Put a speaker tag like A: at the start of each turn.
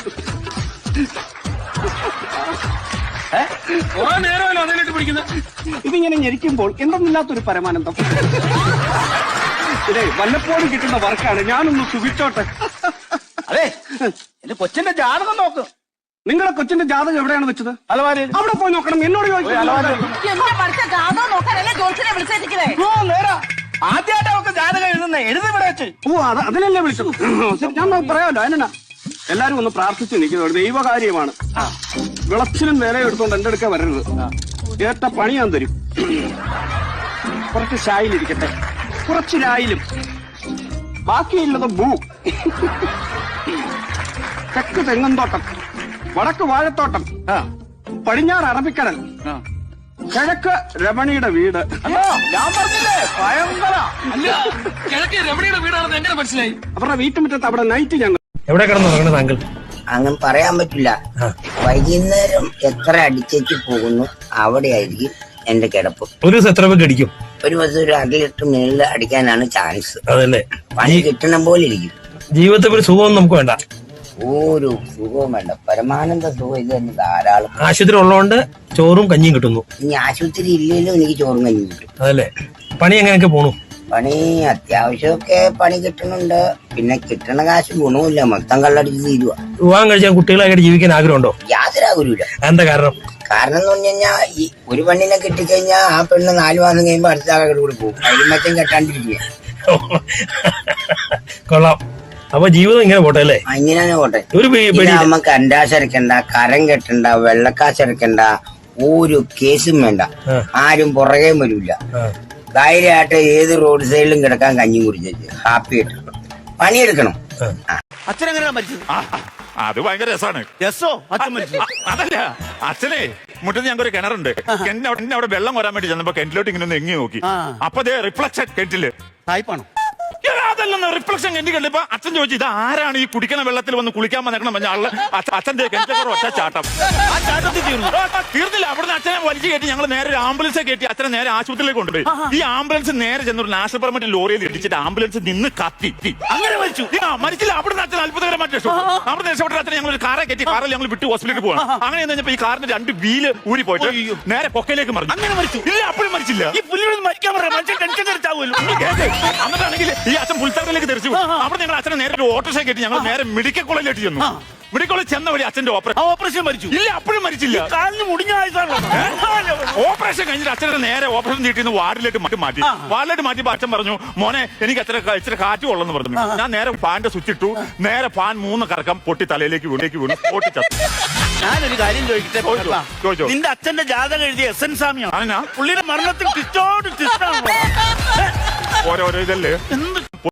A: കുറെ നേരമല്ലോ അതിലിട്ട് പിടിക്കുന്നത്.
B: ഇതിങ്ങനെ ഞെരിക്കുമ്പോൾ എന്തെന്നില്ലാത്തൊരു പരമാനന്ദം. ഇതേ വല്ലപ്പോഴും കിട്ടുന്ന വർക്കാണ്. ഞാനൊന്ന് സുഖിച്ചോട്ടെ.
A: അതെ, എന്റെ കൊച്ചിന്റെ ജാതകം നോക്ക്.
B: നിങ്ങളെ കൊച്ചിന്റെ ജാതകം എവിടെയാണ് വെച്ചത്?
A: അലമാരയിൽ.
B: അവിടെ പോയി നോക്കണം. എന്നോട് ചോദിച്ചു.
A: ആദ്യമായിട്ട് അവർക്ക് ജാതകം എഴുതുന്നേ. എഴുതിവിടെ വെച്ച്.
B: ഓ, അതിനല്ലേ വിളിച്ചത്. ശരി, ഞാൻ പറയാമല്ലോ. അതിനാ എല്ലാരും ഒന്ന് പ്രാർത്ഥിച്ച് നിൽക്കുന്നത്. ഒരു ദൈവകാര്യമാണ്. വിളച്ചിനും നേരെ എടുത്തോണ്ട് എന്റെ അടുക്ക വരരുത്. ഏറ്റ പണി ഞാൻ തരും. കുറച്ച് ഷായിലിരിക്കട്ടെ, കുറച്ച് രായിലും, ബാക്കിയുള്ളത് ഭൂ. തെക്ക് തെങ്ങന്തോട്ടം, വടക്ക് വാഴത്തോട്ടം, പടിഞ്ഞാറ് അറബിക്കടൽ, കിഴക്ക് രമണിയുടെ വീട്.
A: ഞാൻ പറഞ്ഞില്ലേ ഭയങ്കര. അല്ല, കിഴക്ക് രമണിയുടെ വീടാണെന്ന് എങ്ങനെ മനസ്സിലായി?
B: അവരുടെ വീട്ടുമുറ്റത്ത് അവിടെ നൈറ്റ് ഞങ്ങൾ.
C: എവിടെ കിടന്നു താങ്കൾ?
D: അങ്ങനെ പറയാൻ പറ്റില്ല. വൈകുന്നേരം എത്ര അടിച്ചേച്ച് പോകുന്നു അവിടെയായിരിക്കും എന്റെ കിടപ്പ്.
C: ഒരു ദിവസം എത്ര പേർക്ക് അടിക്കും?
D: ഒരു ദിവസം ഒരു 1/2 ലിറ്റർ മേളിൽ അടിക്കാനാണ് ചാൻസ്.
C: അതല്ലേ,
D: പണി കിട്ടണ പോലെ ഇരിക്കും.
C: ജീവിതത്തിൽ ഒരു സുഖമൊന്നും നമുക്ക് വേണ്ട.
D: ഒരു സുഖവും വേണ്ട, പരമാനന്ദ സുഖം ഇത് തന്നെ ധാരാളം.
C: ആശുപത്രി ഉള്ളതുകൊണ്ട് ചോറും കഞ്ഞിയും കിട്ടുന്നു.
D: ഇനി ആശുപത്രി ഇല്ലെങ്കിലും എനിക്ക് ചോറും കഞ്ഞിയും കിട്ടും.
C: അതല്ലേ, പണി എങ്ങനെയൊക്കെ പോണു?
D: പണി അത്യാവശ്യമൊക്കെ പണി കിട്ടുന്നുണ്ട്. പിന്നെ കിട്ടണ കാശ് ഗുണവുമില്ല, മൊത്തം കള്ളടിച്ച് തീരുവ.
C: വിവാഹം കഴിച്ചാൽ കുട്ടികളായിട്ട് ജീവിക്കാൻ ആഗ്രഹമുണ്ടോ?
D: യാതൊരു ആഗ്രഹമില്ല.
C: എന്താ കാരണം?
D: കാരണം എന്ന് പറഞ്ഞു കഴിഞ്ഞാൽ ഈ ഒരു പെണ്ണിനെ കിട്ടിക്കഴിഞ്ഞാൽ ആ പെണ്ണ് 4 മാസം കഴിയുമ്പോ അടുത്ത ആളുടെ കൂടെ പോകും. അഴിമറ്റം കെട്ടാണ്ടിരിക്കുക.
C: കൊള്ളാം. അപ്പൊ ജീവിതം ഇങ്ങനെ പോട്ടെ അല്ലേ?
D: ഇങ്ങനെ പോട്ടെ.
C: ഒരു
D: നമുക്ക് അണ്ടാശരക്കണ്ട, കരം കെട്ടണ്ട, വെള്ളക്കാശരക്കണ്ട, ഒരു കേസും വേണ്ട. ആരും പുറകെ വരില്ല. ധൈര്യമായിട്ട് ഏത് റോഡ് സൈഡിലും കിടക്കാൻ കഞ്ഞി കുടിച്ചു ഹാപ്പി ആയിട്ട് പണിയെടുക്കണം.
A: അച്ഛനെങ്ങനെയാ മരിച്ചത്?
E: അത് ഭയങ്കര രസമാണ്.
A: രസോ? അച്ഛൻ മരിച്ചു?
E: അതല്ല, അച്ഛനെ മുറ്റത്ത് ഞങ്ങൾക്ക് ഒരു കിണറുണ്ട്. കിണറ്റിന്റെ അവിടെ വെള്ളം വരാൻ വേണ്ടി ചെന്നപ്പോ കിണറ്റിലോട്ട് ഇങ്ങനെ ഒന്ന് എങ്ങി നോക്കി. അപ്പൊ റിഫ്ലക്ഷൻ കിണറ്റില്
A: സായിപ്പാണോ?
E: അതല്ലെന്ന് റിഫ്ലക്ഷൻ കിണറ്റി കണ്ടിപ്പോ അച്ഛൻ ചോദിച്ചു, ഇത് ആരാണ് ഈ കുടിക്കണ വെള്ളത്തിൽ വന്ന് കുളിക്കാൻ വന്നേക്കണം പറഞ്ഞ ആള്. അച്ഛന്റെ കിണറ്റൊക്കെ ഒറ്റ ചാട്ടം.
A: ആ ചാട്ടത്തിൽ
E: തീർന്നില്ല. അവിടുന്ന് അച്ഛനെ വലിച്ചു കയറ്റി ഞങ്ങൾ നേരെ ഒരു ആംബുലൻസ് കയറ്റി അച്ഛനെ നേരെ ആശുപത്രിയിലേക്ക് കൊണ്ടുപോയി. ഈ ആംബുലൻസ് നേരെ ചെന്നൊരു നാഷണൽ പെർമിറ്റ് ലോറിയിൽ ഇടിച്ചിട്ട് ആംബുലൻസ് നിന്ന് കത്തി.
A: അങ്ങനെ മരിച്ചു?
E: മരിച്ചില്ല. അവിടുന്ന് അച്ഛൻ അത്ഭുതകരമായിട്ട് രക്ഷപ്പെട്ടു. അവിടെ രക്ഷപ്പെട്ട അച്ഛനെ ഞങ്ങൾ ഒരു കാറെ കയറ്റി കാറിൽ ഞങ്ങൾ വിട്ട് ഹോസ്പിറ്റലിൽ പോകണം. അങ്ങനെ കഴിഞ്ഞപ്പോ ഈ കാറിന്റെ 2 വീല് ഊരി പോയിട്ട് നേരെ പൊക്കയിലേക്ക് മറിഞ്ഞു.
A: അങ്ങനെ മരിച്ചു?
E: ഇല്ല, അപ്പോഴും മരിച്ചില്ല.
A: ഈ പുല്ലിനൊന്നും മരിക്കാൻ പറയാം, മനുഷ്യൻ ടെൻഷൻ അടിച്ചാവുമല്ലോ.
E: എന്നിട്ടാണെങ്കിൽ ഈ അച്ഛൻ പുൽത്തറയിലേക്ക് തെറിച്ചു. അവിടെ ഞങ്ങൾ അച്ഛനെ നേരെ ഒരു ഓട്ടോറിക്ഷ കയറ്റി ഞങ്ങൾ നേരെ മെഡിക്കൽ കോളേജിലേക്ക് ചെന്നു. മെഡിക്കൽ കോളേജ് ചെന്ന വഴി അച്ഛന്റെ
A: ഓപ്പറേഷൻ മരിച്ചു?
E: ഇല്ല, അപ്പോഴും മരിച്ചില്ല.
A: കാലിന് മുടിഞ്ഞ
E: ഓപ്പറേഷൻ കഴിഞ്ഞിട്ട് അച്ഛനെ നേരെ ഓപ്പറേഷൻ തീട്ടിന്ന് വാർഡിലേക്ക് മാറ്റി. വാർഡിലേക്ക് മാറ്റിയപ്പോ അച്ഛൻ പറഞ്ഞു, മോനെ എനിക്ക് ഇച്ചിരി കാറ്റ് കൊള്ളെന്ന് പറഞ്ഞു. ഞാൻ നേരെ ഫാന്റെ സ്വിച്ച് ഇട്ടു. നേരെ ഫാൻ 3 കറക്കം പൊട്ടി തലയിലേക്ക് വീണു പൊട്ടിച്ചത്തു.
A: ഞാനൊരു കാര്യം ചോദിക്കട്ടെ? നിന്റെ അച്ഛന്റെ ജാതകം എഴുതിയ SN സ്വാമിയാണ്. പുള്ളിയുടെ മരണത്തിൽ ഓരോരോ ഇതല്ലേ. എന്ത്